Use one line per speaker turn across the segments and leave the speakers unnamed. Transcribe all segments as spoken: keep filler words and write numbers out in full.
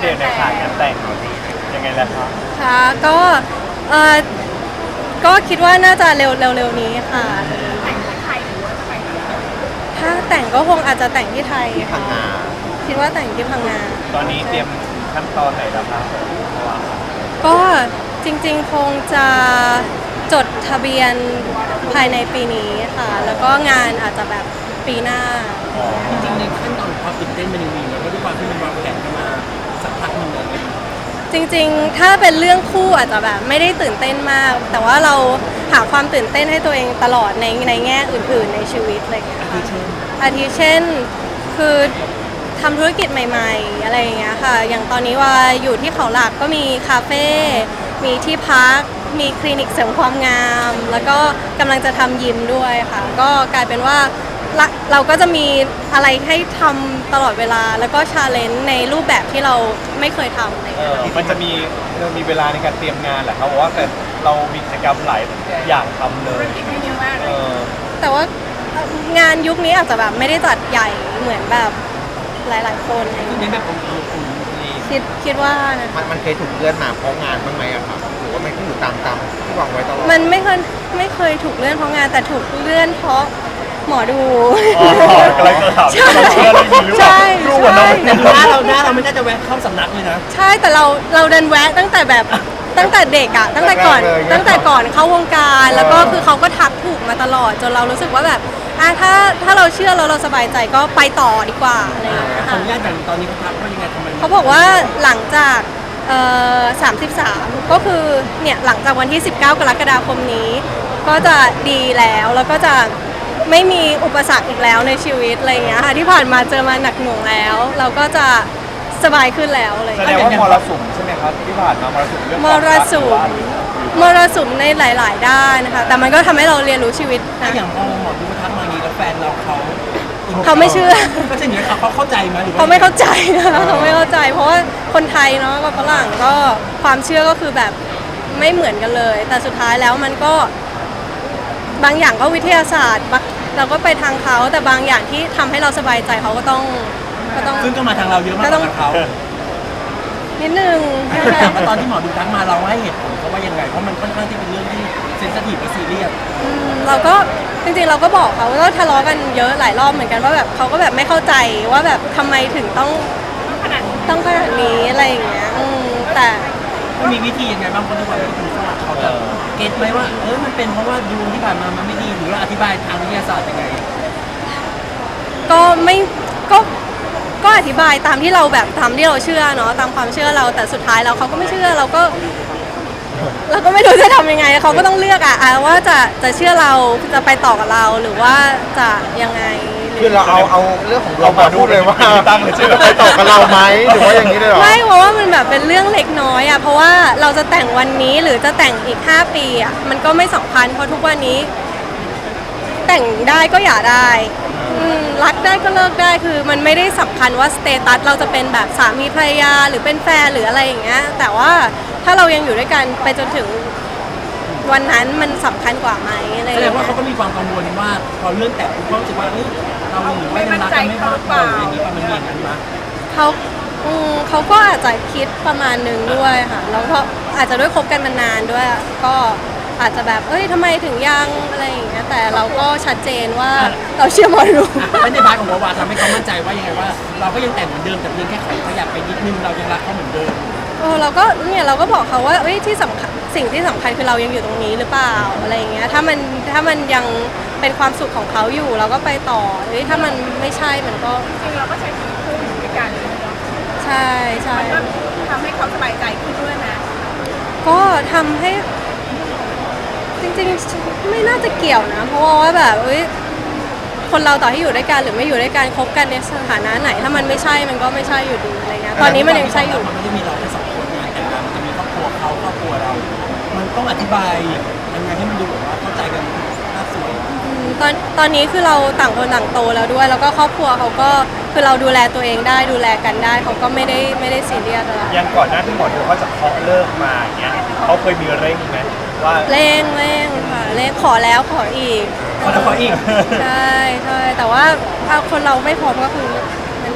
ดตในขายงานแต่งยังไงล่ะครับ
ค่ะก็เออก็คิดว่าน่าจะเร็วเร็วๆนี้ค่ะ
แต่งที่ไทยหรือว่าจะไปที่ไหน
ถ้าแต่งก็คงอาจจะแต่งที่ไทยค่ะคิดว่าแต่งที่พังงา
ตอนนี้เตรียมขั้นตอนไหนแล้วครับ
ก็จริงๆคงจะจดทะเบียนภายในปีนี้ค่ะแล้วก็งานอาจจะแบบปีหน้า
จริงๆในขั้นตอนความตื่นเต้นมันยังมีนะเพราะด้วยความที่มันวางแผนกันมาสักพักหนึ่งเลย
จริงๆถ้าเป็นเรื่องคู่อาจจะแบบไม่ได้ตื่นเต้นมากแต่ว่าเราหาความตื่นเต้นให้ตัวเองตลอดในในแง่อื่นๆในชีวิตอะไรอย่างเงี้ย
อาทิเช่น
อาทิเช่นคือทำธุรกิจใหม่ๆอะไรอย่างเงี้ยค่ะอย่างตอนนี้ว่าอยู่ที่เขาหลักก็มีคาเฟ่มีที่พักมีคลินิกเสริมความงามแล้วก็กำลังจะทำยิมด้วยค่ะก็กลายเป็นว่าเราก็จะมีอะไรให้ทำตลอดเวลาแล้วก็ชาเลนจ์ในรูปแบบที่เราไม่เคยทำเลย
มันจะมีมีเวลาในการเตรียมงานแหละครับเพราะว่าแต่เรามีกิจกรรมหลายอย่างทำเลย
แต่ว่างานยุคนี้อาจจะแบบไม่ได้จัดใหญ่เหมือนแบบหลายๆคน
คือเน้นแบบองค์อุ่น
คิดคิดว่านะ
มันมันเคยถูกเลื่อนมาเพราะงานบ้างไหมอะครับหรือว่ามันก็อยู่ตามตามที่วางไว้ตลอด
มันไม่เคยไม่เคยถูกเลื่อนเพราะงานแต่ถูกเลื่อนเพราะหมอดู
อ๋อกำลังจะถามว่าเราเชื่อเรื่องนี้หรือเปล่ารู้ว่าเรา
แต่หน้าเราหน้าเราไม่น่าจะแวะเข้าสำนักเลยนะ
ใช่แต่เราเราเดินแวะตั้งแต่แบบตั้งแต่เด็กอะตั้งแต่ก่อนตั้งแต่ก่อนเข้าวงการแล้วก็คือเขาก็ทักถูกมาตลอดจนเรารู้สึกว่าแบบอ่ะถ้าถ้าเราเชื่อแล้วเราสบายใจก็ไปต่อดีกว่าอะไรอย่างเงี้ย
ขออนุญาตอย่างตอนนี้เขาทักว่ายังไงทำไม
เขาบอกว่าหลังจากเอ่อสามสิบสามก็คือเนี่ยหลังจากวันที่สิบเก้ากรกฎาคมนี้ก็จะดีแล้วแล้วก็จะไม่มีอุปสรรคอีกแล้วในชีวิตอะไรอย่างเงี้ยค่ะที่ผ่านมาเจอมาหนักหน่วงแล้วเราก็จะสบายขึ้นแล้วเลย
แสดงว่ามรสุมใช่ไหมครับที่ผ่านมามรสุมเรื่อง
มรสุมมรสุมในหลาย ๆ ด้านนะคะแต่มันก็ทำให้เราเรียนรู้ชีวิต
นะอย่างพอหมอดูทักมาอย่างนี้แล้วแฟนเราเขา
เขาไม่เชื่อ
ก็จะอย่างนี้เขาเข้าใจไหมหรือ
เขาไม่เข้าใจนะเขาไม่เข้าใจเพราะว่าคนไทยเนาะกับฝรั่งก็ความเชื่อก็คือแบบไม่เหมือนกันเลยแต่สุดท้ายแล้วมันก็บางอย่างก็วิทยาศาสตร์เราก็ไปทางเขาแต่บางอย่างที่ทำให้เราสบายใจเขาก็ต้องก็ต้อง
ซึ่งก็มาทางเราเยอะมากกว่าเขา
นิดนึง
แต่ว่าตอนที่หมอดูทักมาเราให้เหตุผลเขาว่ายังไงเพราะมันค่อนข้างที่เป็นเรื่องที่เซนซิทีฟและซีเรียส
เราก็จริงๆเราก็บอกเขาว่าทะเลาะกันเยอะหลายรอบเหมือนกันว่าแบบเขาก็แบบไม่เข้าใจว่าแบบทำไมถึงต้องต้องขนาดนี้อะไรอย่างเงี้ยแต่
มันมีวิธียังไงบ้างคนที่ว่าเป็นฝรั่งเขาจะเก็ตไหมว่าเออมันเป็นเพราะว่าดูที่ผ่านมามันไม่ดีหรือว่าอธิบายทางวิทยาศาสตร์ยังไง
ก็ไม่ก็ก็อธิบายตามที่เราแบบทำที่เราเชื่อเนาะตามความเชื่อเราแต่สุดท้ายเราเขาก็ไม่เชื่อเราก็เราก็ไม่รู้จะทำยังไงเขาก็ต้องเลือกอะว่าจะจะเชื่อเราจะไปต่อกับเราหรือว่าจะยังไง
คือเราเอาเอาเรื่องของเรามาพูดเลยว่าตั้งเลยจะไปต่อกับเราไหมหรือว่าอย่างนี้เลยหรอ
ไม่เพราะว่ามันแบบเป็นเรื่องเล็กน้อยอะเพราะว่าเราจะแต่งวันนี้หรือจะแต่งอีกห้าปีอะมันก็ไม่สำคัญเพราะทุกวันนี้แต่งได้ก็อย่าได้รักได้ก็เลิกได้คือมันไม่ได้สำคัญว่าสเตตัสเราจะเป็นแบบสามีภรรยาหรือเป็นแฟนหรืออะไรอย่างเงี้ยแต่ว่าถ้าเรายังอยู่ด้วยกันไปจนถึงวันนั้นมันสำคัญกว่าไหมอะไรอย่าง
เงี้
ยแสด
งว่าเขาก็มีความกังวลว่าพอเรื่องแต่งเขาจะว่าเราหรือว่ายังรักกันไม่มากพออย่างนี้ประมาณนี้นั้นมั้ย
เขาเขาก็อาจจะคิดประมาณนึงด้วยค่ะแล้วก็อาจจะด้วยคบกันมานานด้วยก็อาจจะแบบเอ้ยทำไมถึงยังอะไรอย่างเงี้ยแต่เราก็ชัดเจนว่าเราเชื่อหมอดู
ไม่ในพาร์ทของวาวาทำให้เขามั่นใจว่ายังไงว่าเราก็ยังแต่งเหมือนเดิมแต่เพียงแค่ขยับไปนิดนึงเรายังรักเขาเหมือนเดิม
เออเราก็เนี่ยเราก็บอกเขาว่าเอ้ยที่สำคัญสิ่งที่สำคัญคือเรายังอยู่ตรงนี้หรือเปล่าอะไรอย่างเงี้ยถ้ามันถ้ามันยังเป็นความสุขของเขาอยู่เราก็ไปต่อเอ้ยถ้ามันไม่ใช่มันก็
จริงเราก็ใช้ชีวิตคู่อยู่ด้วยกัน
ใช่ใช่
มันก็ทำให้เขาสบายใจขึ้นด้วยนะ
ก็ทำให้จริงๆไม่น่าจะเกี่ยวนะเพราะว่าแบบเอ้ยคนเราต่อให้อยู่ด้วยกันหรือไม่อยู่ด้วยกันคบกันในสถานะไหนถ้ามันไม่ใช่มันก็ไม่ใช่อยู่ดีอะไรเงี้ยตอนนี้มันยังใช่อยู่
มันไม่ได้มีเราแค่สองคนนะแต่มันจะมีครอบครัวเขาครอบครัวเรามันต้องอธิบายยังไงให้มันดูแบบว่าเข้าใจกันน่าสวย
ตอนตอนนี้คือเราต่างคนต่างโตแล้วด้วยแล้วก็ครอบครัวเขาก็คือเราดูแลตัวเองได้ดูแลกันได้เขาก็ไม่ได้ไม่ได้ซีเรียสอะไร
ยังก่อนหน้าที่หมอดูเขาจะเคาะเลิกมาอย่างเงี้ยเขาเคยมีเร่งไหมว่า
เร่งเร่งค่ะเร่งขอแล้วขออีก
ขอแล้วขออีก
ใช่ใช่แต่ว่าถ้าคนเราไม่พร้อมก็คือมันยัง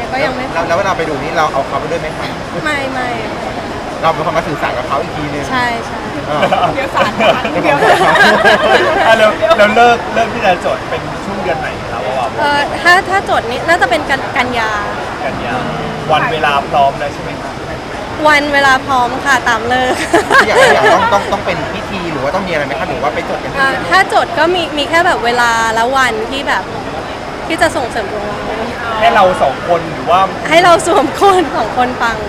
ก็ยังไม่
แล้วแล้วเวลาไปดูนี่เราเอาเขาไปด้วยไหมครับ
ไม่ไม่
เราเป็นคนมาสื่อสารกับเขาอีกทีนึง
ใช่ใช่
เออ
เดี๋ยวสารนะคะเดี๋ยว
อ่ะแล้วแล้วเลิกเลิกที่จะจดเป็นช่วงเดือนไหนครับว่า
เออถ้าถ้าจดนี้น่าจะเป็นกันกันยา
กันยาวันเวลาพร้อมแล้วใช่ไหมครับ
วันเวลาพร้อมค่ะตามเลิก
อยากอยากต้องต้องต้องเป็นพิธีหรือว่าต้องมีอะไรไหมครับหรือว่าไปจดกันที่
อ่า
นี่
ถ้าจดก็มีมีแค่แบบเวลาและวันที่แบบที่จะส่งเสริมดวงเรา
ให้เราสองคนหรือว่า
ให้เราสวมคนสองคนปัง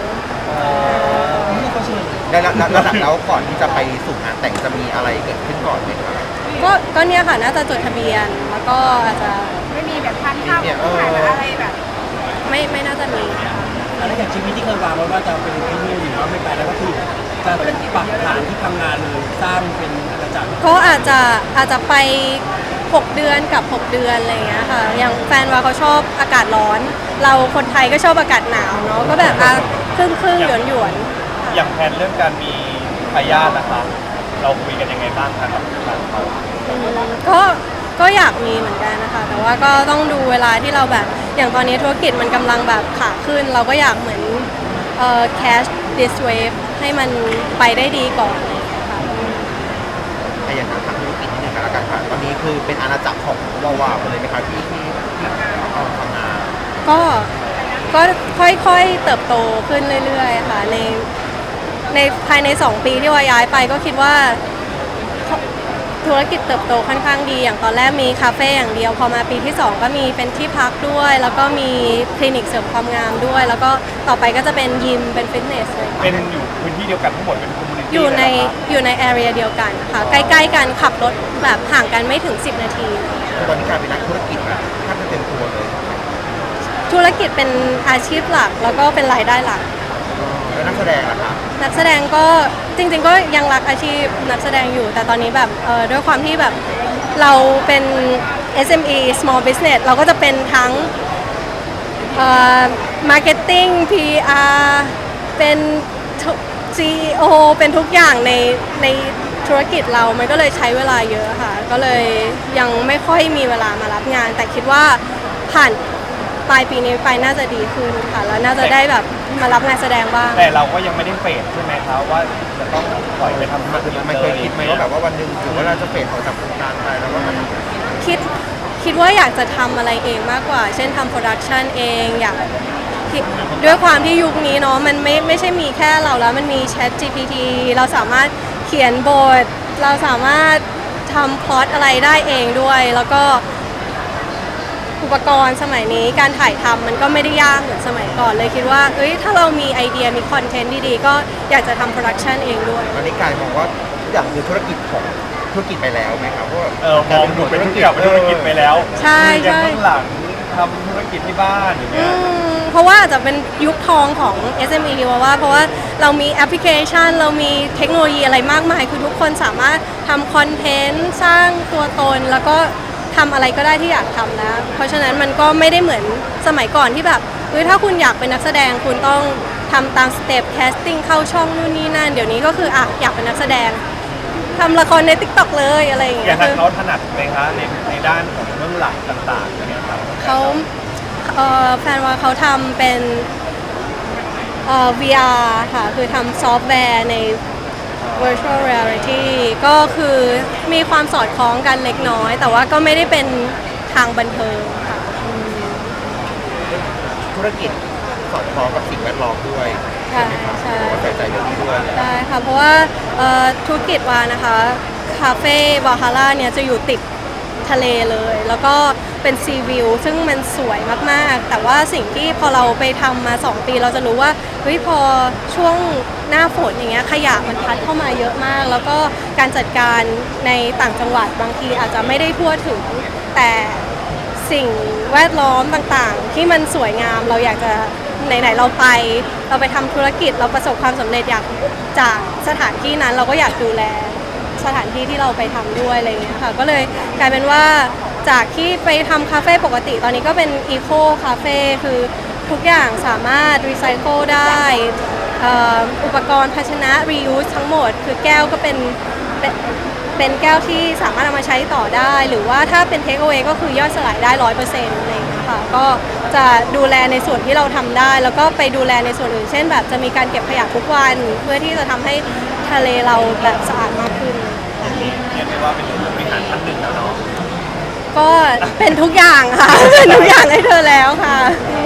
แล้วแล้วแล้วแล้วแล้วก่อนที่จะไปสู่งานแต่งจะมีอะไรเกิดขึ้นก่อนไหมครับ
ก็ก็เนี่ยค่ะน่าจะจดทะเบียนแล้วก็อาจจะ
ไม่มีแบบทานข้าวกับผู้ชายแบบอะไรแบบ
ไม่ไม่น่าจะมี
แล้วอย่างชีวิตที่เคยวางไว้ว่าจะเป็นที่นี่หรือว่าไม่ไปแล้วก็คือจะปักฐานที่พังงานเลยสร้างเป็นอาณาจักร
ก็อาจจะอาจจะไปหกเดือนกับหกเดือนอะไรอย่างเงี้ยค่ะอย่างแฟนว่าเขาชอบอากาศร้อน เราคนไทยก็ชอบอากาศหนาวเนาะก็แบบอ่ะครึ่งครึ่งหยวนหยวนๆ
อย่างแผนเรื่องการมีทายาทนะคะเราคุยกันยังไงบ้างคะกับทางเขา
อืมก็ก็อยากมีเหมือนกันนะคะ แต่ว่าก็ต้องดูเวลาที่เราแบบ อย่างตอนนี้ธุรกิจมันกำลังแบบขาขึ้น เราก็อยากเหมือนเอ่อ cash this wave ให้มันไปได้ดีก่อนอะไรอย่างเงี้ยค่ะ
ไอ้อย่างนั้นทางธุรกิจนี่หนึ่งกันแล้วกันค่ะตอนนี้คือเป็นอาณาจักรของวาวาไปเลยไหมครับที่ที่เอาทำงาน
ก็ก็ค่อยๆเติบโตขึ้นเรื่อยๆค่ะในในภายในสองปีที่ว่าย้ายไปก็คิดว่าธุรกิจเติบโตค่อนข้างดี อย่างตอนแรกมีคาเฟ่อย่างเดียว พอมาปีที่สองก็มีเป็นที่พักด้วย แล้วก็มีคลินิกเสริมความงามด้วย แล้วก็ต่อไปก็จะเป็นยิมเป็นฟิตเนสเลยค่ะ
เป็นอยู่พื้นที่เดียวกันทั้งหมดเป็นคอมมูนิตี้
อยู่ในอยู่ในแอเรียเดียวกันค่ะ ใกล้ๆกันขับรถแบบห่างกันไม่ถึง สิบ นาที
ตอนนี้กลายเป็นนักธุรกิจแบบแทบจะเต็มตัวเลย
ธุรกิจเป็นอาชีพหลักแล้วก็เป็นรายได้หลัก
แล้วนักแสดงล่ะครับ
นักแสดงก็จริงๆก็ยังรักอาชีพนักแสดงอยู่ แต่ตอนนี้แบบเอ่อด้วยความที่แบบเราเป็น เอส เอ็ม อี small business เราก็จะเป็นทั้งเอ่อ marketing พี อาร์ เป็น ซี อี โอ เป็นทุกอย่างในในธุรกิจเรามันก็เลยใช้เวลาเยอะค่ะ ก็เลยยังไม่ค่อยมีเวลามารับงาน แต่คิดว่าผ่านปลายปีนี้ไปน่าจะดีขึ้นค่ะแล้วน่าจะได้แบบมารับงานแสดงบ้าง
แต่เราก็ยังไม่ได้เฟดใช่ไหมครับว่าจะต้องปล่อยไปทำธุรกิจ
มันเคยคิดไหมว่าแบบว่าวันหนึ่งหรือว่าเราจะเปลี่ยนออกจากวงการไปแล้วว่ามัน
คิดคิดว่าอยากจะทำอะไรเองมากกว่า เช่นทำโปรดักชันเองอยากคิดด้วยความที่ยุคนี้เนาะมันไม่ไม่ใช่มีแค่เราแล้วมันมี Chat จี พี ที เราสามารถเขียนบท เราสามารถทำพล็อตอะไรได้เองด้วย แล้วก็อุปกรณ์สมัยนี้การถ่ายทำมันก็ไม่ได้ยากเหมือนสมัยก่อนเลยคิดว่าเอ้ยถ้าเรามีไอเดียมีคอนเทนต์ดีๆ ก็อยากจะทำโปรดักชันเองด้วย
ตอนนี้กลายมองว่าทุกอย่างคือธุรกิจของธุรกิจไปแล้วไหมครับเพราะว่า
เออมองดูเป็นทุกอย่างเป็นธุรกิจไปแล้ว
ใช่
มีอย่าง
ใช่
เบื้องหลังทำธุรกิจที่บ้านอย่าง
อื
เงี้ย
มเพราะว่าอาจจะเป็นยุคทองของ เอส เอ็ม อี ว่าว่าเพราะว่าเรามีแอปพลิเคชัน เรามีเทคโนโลยีอะไรมากมาย คือทุกคนสามารถทำคอนเทนต์สร้างตัวตน แล้วก็ทำอะไรก็ได้ที่อยากทำแล้ว เพราะฉะนั้นมันก็ไม่ได้เหมือนสมัยก่อนที่แบบเฮ้ยถ้าคุณอยากเป็นนักแสดงคุณต้องทำตามสเต็ปแคสติ้งเข้าช่องนู่นนี่นั่น เดี๋ยวนี้ก็คืออ่ะอยากเป็นนักแสดงทำละครใน ติ๊กต็อก เลยอะไรอย่าง
อ
เงี้
ย่าง
ย
นั้
คื
น
อ
เขาถนัดไหมคะในในด้านของเบื้องหลังต่างๆอย่างเงี้ยครับ
เขาเอ่อแฟนว่าเขาทำเป็นเอ่อ วี อาร์ ค่ะ คือทำซอฟต์แวร์ใน virtual reality ก็คือมีความสอดคล้องกันเล็กน้อย แต่ว่าก็ไม่ได้เป็นทางบันเทิงค่ะอืม
ธุรกิจสอดคล้องกับสิ่งแวดล้อมด้วย
ใช่ใช่
ใส่ใจเรื่องนี้ด้วย
ได้ค่ะ เพราะว่าเอ่อธุรกิจวานะคะ คาเฟ่บาฮาร่าเนี่ยจะอยู่ติดทะเลเลย แล้วก็เป็นซีวิวซึ่งมันสวยมากๆ แต่ว่าสิ่งที่พอเราไปทำมาสองปีเราจะรู้ว่าเฮ้ยพอช่วงหน้าฝนอย่างเงี้ยขยะมันพัดเข้ามาเยอะมาก แล้วก็การจัดการในต่างจังหวัดบางทีอาจจะไม่ได้ทั่วถึง แต่สิ่งแวดล้อมต่างๆ ที่มันสวยงามเราอยากจะไหนๆเราไป เราไปทำธุรกิจเราประสบความสำเร็จอยากจากสถานที่นั้นเราก็อยากดูแลสถานที่ที่เราไปทำด้วยอะไรเงี้ยค่ะก็เลยกลายเป็นว่าจากที่ไปทำคาเฟ่ปกติตอนนี้ก็เป็นอีโคคาเฟ่คือทุกอย่างสามารถรีไซเคิลได้เอ่ออุปกรณ์ภาชนะ reuse ทั้งหมด คือแก้วก็เป็นเป็นเป็นแก้วที่สามารถเอามาใช้ต่อได้ หรือว่าถ้าเป็น take away ก็คือย่อยสลายได้ร้อยเปอร์เซ็นต์อะไรอย่างเงี้ยค่ะค่ะก็จะดูแลในส่วนที่เราทำได้ แล้วก็ไปดูแลในส่วนอื่นเช่นแบบจะมีการเก็บขยะทุกวันเพื่อที่จะทำให้ทะเลเราแบบสะอาดมากขึ้น
เรียกได้ว่าเป็นผู้บริหารท่านหนึ่งแล้วเนาะ
ก็เป็นทุกอย่างค่ะ เป็นทุกอย่างให้เธอแล้วค่ะอื